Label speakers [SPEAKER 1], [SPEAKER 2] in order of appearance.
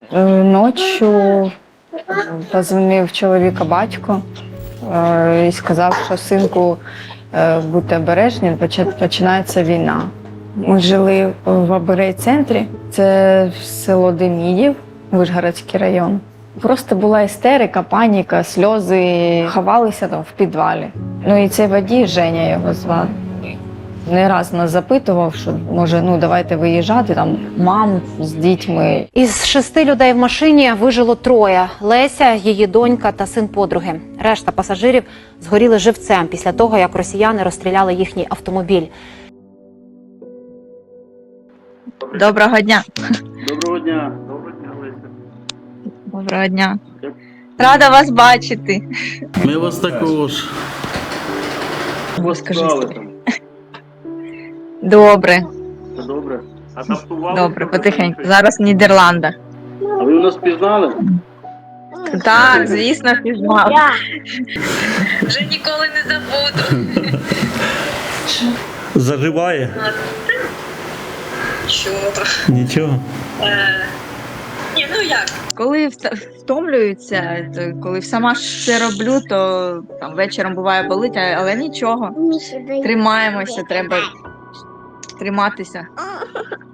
[SPEAKER 1] Ночі позвонив чоловіка батько і сказав, що синку, будьте обережні, починається війна. Ми жили в Аберей-центрі, це село Демідів, Вишгородський район. Просто була істерика, паніка, сльози, ховалися там в підвалі. Ну і цей водій, Женя його звати, не раз нас запитував, що може, давайте виїжджати, там мам з дітьми.
[SPEAKER 2] Із 6 людей в машині вижило 3. Леся, її донька та син подруги. Решта пасажирів згоріли живцем після того, як росіяни розстріляли їхній автомобіль.
[SPEAKER 3] Доброго дня.
[SPEAKER 4] Доброго дня. Доброго дня, Леся.
[SPEAKER 3] Доброго дня. Рада вас бачити.
[SPEAKER 4] Ми вас також.
[SPEAKER 3] Скажи,
[SPEAKER 4] Справи там.
[SPEAKER 3] Добре,
[SPEAKER 4] Все добре? Адаптували?
[SPEAKER 3] добре, потихеньку. Зараз в Нідерландах.
[SPEAKER 4] А ви нас пізнали?
[SPEAKER 3] Так, звісно, пізнав. Вже ніколи не забуду.
[SPEAKER 5] Заживає? Нічого.
[SPEAKER 3] Ні, ну як? Коли втомлюються, коли сама все роблю, то там вечором буває болить, але нічого. Тримаємося, треба триматися.